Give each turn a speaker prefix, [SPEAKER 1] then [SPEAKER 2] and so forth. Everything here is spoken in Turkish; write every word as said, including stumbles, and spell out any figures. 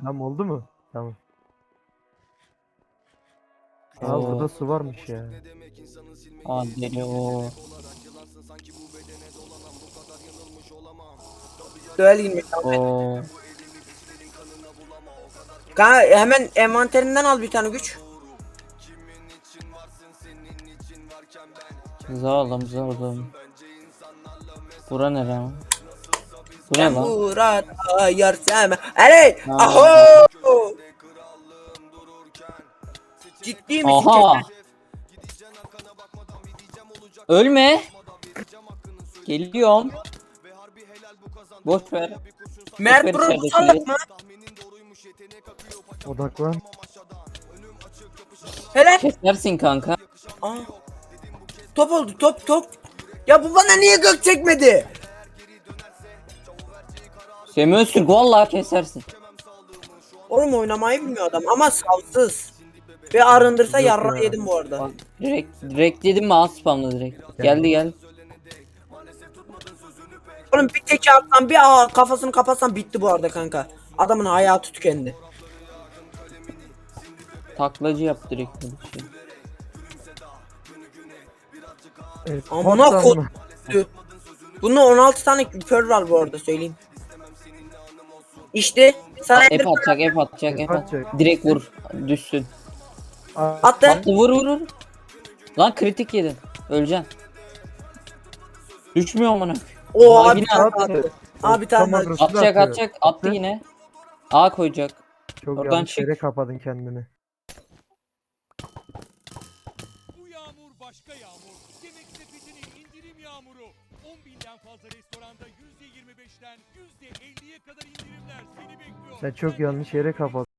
[SPEAKER 1] Tamam oldu mu? Tamam. Aa
[SPEAKER 2] Oo.
[SPEAKER 1] burada su varmış ya.
[SPEAKER 2] Aa deli o.
[SPEAKER 3] Duel girmek.
[SPEAKER 2] Oo.
[SPEAKER 3] Kanka hemen envanterinden al bir tane güç.
[SPEAKER 2] Zalim zalim. Bura nere ama? Bu ne
[SPEAKER 3] Ben
[SPEAKER 2] lan?
[SPEAKER 3] burada yarsam. Aley!
[SPEAKER 2] Ha.
[SPEAKER 3] Aho! Ciddi misin?
[SPEAKER 2] Aha. Ölme. Geliyorum. Boş ver.
[SPEAKER 3] Mert
[SPEAKER 2] ver
[SPEAKER 3] Bro
[SPEAKER 2] içerideki
[SPEAKER 3] salak mı?
[SPEAKER 1] Odaklan.
[SPEAKER 3] Helal.
[SPEAKER 2] Kesersin kanka.
[SPEAKER 3] Aa. Top oldu top top. Ya bu bana niye gök çekmedi?
[SPEAKER 2] Semih Öztürk vallahi kesersin.
[SPEAKER 3] Oğlum oynamayı bilmiyor adam ama savsız. Ve arındırsa
[SPEAKER 1] Yok
[SPEAKER 3] yarra
[SPEAKER 1] ya.
[SPEAKER 3] yedim bu arada.
[SPEAKER 2] Bak direkt direkt dedim mi az spamla direkt. Geldi gel.
[SPEAKER 3] Oğlum bir teki atsan bir aa, kafasını kapatsan bitti bu arada kanka. Adamın hayatı tükendi.
[SPEAKER 2] Taklacı yap direkt bir şey.
[SPEAKER 1] Evet,
[SPEAKER 3] Amına
[SPEAKER 1] pat
[SPEAKER 3] kod.
[SPEAKER 1] amına.
[SPEAKER 3] Bunda on altı tane küpör var bu arada söyleyeyim. İşte sana
[SPEAKER 2] Ep atacak ep atacak ep at.
[SPEAKER 1] Atacak.
[SPEAKER 2] Direkt vur düşsün.
[SPEAKER 3] attı.
[SPEAKER 2] Attı vur vur vur. Lan kritik yedin. Öleceksin. Düşmüyor amına.
[SPEAKER 3] Oo
[SPEAKER 2] Aa,
[SPEAKER 3] abi
[SPEAKER 2] yine
[SPEAKER 3] tane
[SPEAKER 1] attı.
[SPEAKER 3] attı. Abi tane
[SPEAKER 1] Tamam,
[SPEAKER 3] attı.
[SPEAKER 1] Rus'u da
[SPEAKER 2] Atacak
[SPEAKER 1] atıyor.
[SPEAKER 2] atacak attı yine. A koyacak.
[SPEAKER 1] Çok
[SPEAKER 2] Oradan
[SPEAKER 1] yanlış
[SPEAKER 2] çık.
[SPEAKER 1] yere kapadın kendini.
[SPEAKER 4] Bu yağmur başka yağmur. Yemek sepetinin indirim yağmuru. on binden fazla restoranda yüzde yirmi beşten yüzde elliye kadar indirimler seni bekliyor.
[SPEAKER 1] Sen çok yanlış yere kapadın.